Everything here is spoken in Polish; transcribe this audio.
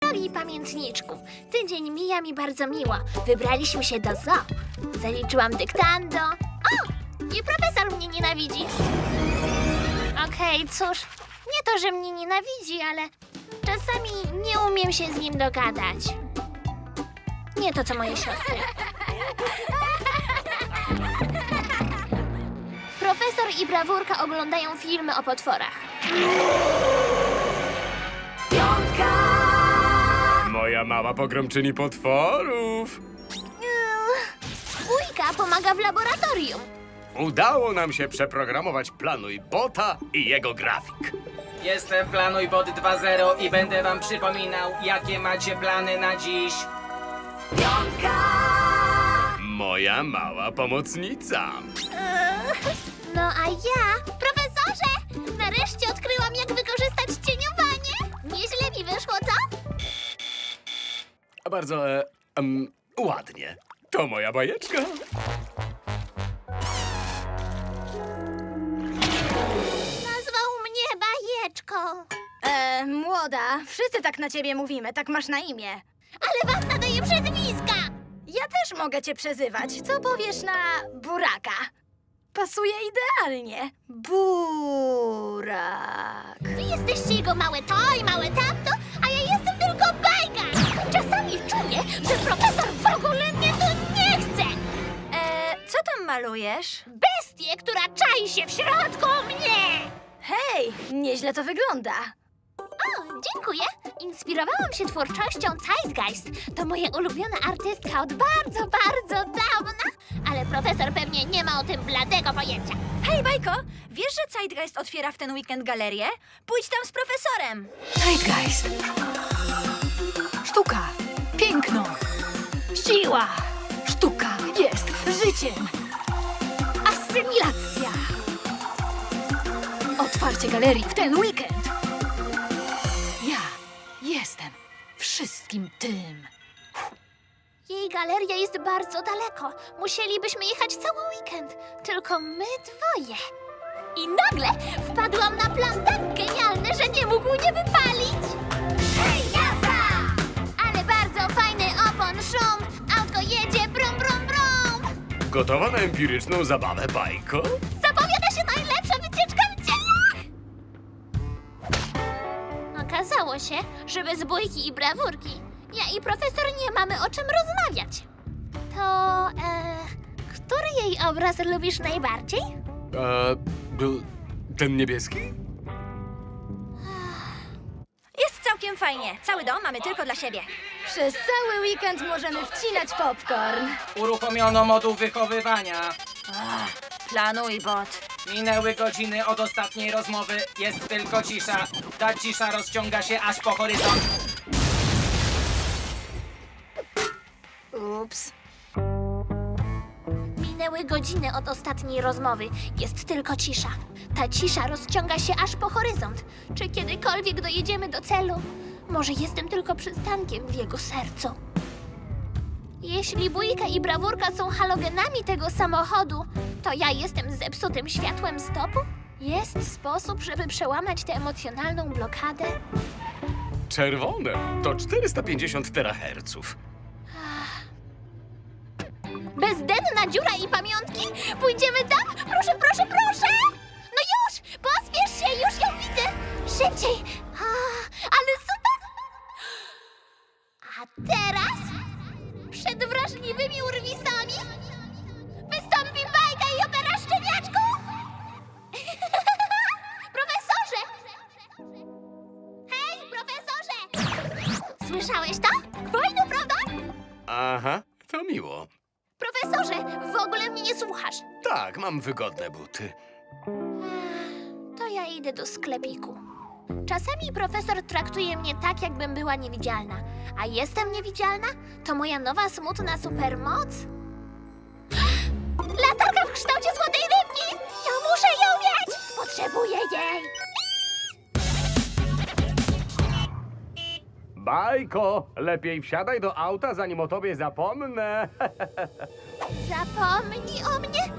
Drogi pamiętniczku, tydzień mija mi bardzo miło. Wybraliśmy się do zoo. Zaliczyłam dyktando. O! I profesor mnie nienawidzi. Okej, cóż, nie to, że mnie nienawidzi, ale czasami nie umiem się z nim dogadać. Nie to, co moje siostry. Profesor i brawurka oglądają filmy o potworach. Moja mała pogromczyni potworów. Wujka pomaga w laboratorium. Udało nam się przeprogramować Planuj Bota i jego grafik. Jestem PlanujBot 2.0 i będę wam przypominał, jakie macie plany na dziś. Moja mała pomocnica. No a ja, profesorze, nareszcie odkryłam, jak wykorzystać cieniowanie. Nieźle mi wyszło, co? Bardzo ładnie. To moja bajeczka. Nazwał mnie bajeczką. Młoda, wszyscy tak na ciebie mówimy, tak masz na imię. Ale wam nadaję przezwiska. Ja też mogę cię przezywać. Co powiesz na buraka? Pasuje idealnie. Burak. Wy jesteście jego małe to i małe tamto, a ja jestem tylko bajka. Czasami czuję, że profesor w ogóle mnie tu nie chce. Co tam malujesz? Bestię, która czai się w środku mnie. Hej, nieźle to wygląda. O, dziękuję. Inspirowałam się twórczością Zeitgeist. To moja ulubiona artystka od bardzo, bardzo dawna. Ale profesor pewnie nie ma o tym bladego pojęcia. Hej, Bajko, wiesz, że Zeitgeist otwiera w ten weekend galerię? Pójdź tam z profesorem. Zeitgeist. Sztuka. Piękno. Siła. Sztuka jest życiem. Asymilacja. Otwarcie galerii w ten weekend. Ja jestem wszystkim tym. Jej galeria jest bardzo daleko. Musielibyśmy jechać cały weekend. Tylko my dwoje. I nagle wpadłam na plan tak genialny, że nie mógł nie wypalić. Hej, jazda! Ale bardzo fajny opon, szum. Autko jedzie, brum, brum, brum. Gotowa na empiryczną zabawę, bajko? Zapowiada się najlepsza wycieczka w dziejach! Okazało się, że bez bójki i brawurki ja i profesor nie mamy o czym rozmawiać. To, który jej obraz lubisz najbardziej? Był ten niebieski? Jest całkiem fajnie. Cały dom mamy tylko dla siebie. Przez cały weekend możemy wcinać popcorn. Uruchomiono moduł wychowywania. Planuj, bot. Minęły godziny od ostatniej rozmowy, jest tylko cisza. Ta cisza rozciąga się aż po horyzont. Ups. Minęły godziny od ostatniej rozmowy. Jest tylko cisza. Ta cisza rozciąga się aż po horyzont. Czy kiedykolwiek dojedziemy do celu? Może jestem tylko przystankiem w jego sercu. Jeśli bójka i brawurka są halogenami tego samochodu, to ja jestem zepsutym światłem stopu? Jest sposób, żeby przełamać tę emocjonalną blokadę? Czerwone to 450 teraherców. Bezdenna dziura i pamiątki? Pójdziemy tam? Proszę, proszę, proszę! No już! Pospiesz się, już ją widzę! Szybciej! Ale super! A teraz? Przed wrażliwymi urwisami wystąpi bajka i opera szczeniaczków! Profesorze! Hej, profesorze! Słyszałeś to? Fajno, prawda? Aha, to miło. Profesorze, w ogóle mnie nie słuchasz. Tak, mam wygodne buty. To ja idę do sklepiku. Czasami profesor traktuje mnie tak, jakbym była niewidzialna. A jestem niewidzialna? To moja nowa, smutna supermoc? Latarka w kształcie złotej rybki! Ja muszę ją mieć! Potrzebuję jej! Bajko, lepiej wsiadaj do auta, zanim o tobie zapomnę. Zapomnij o mnie?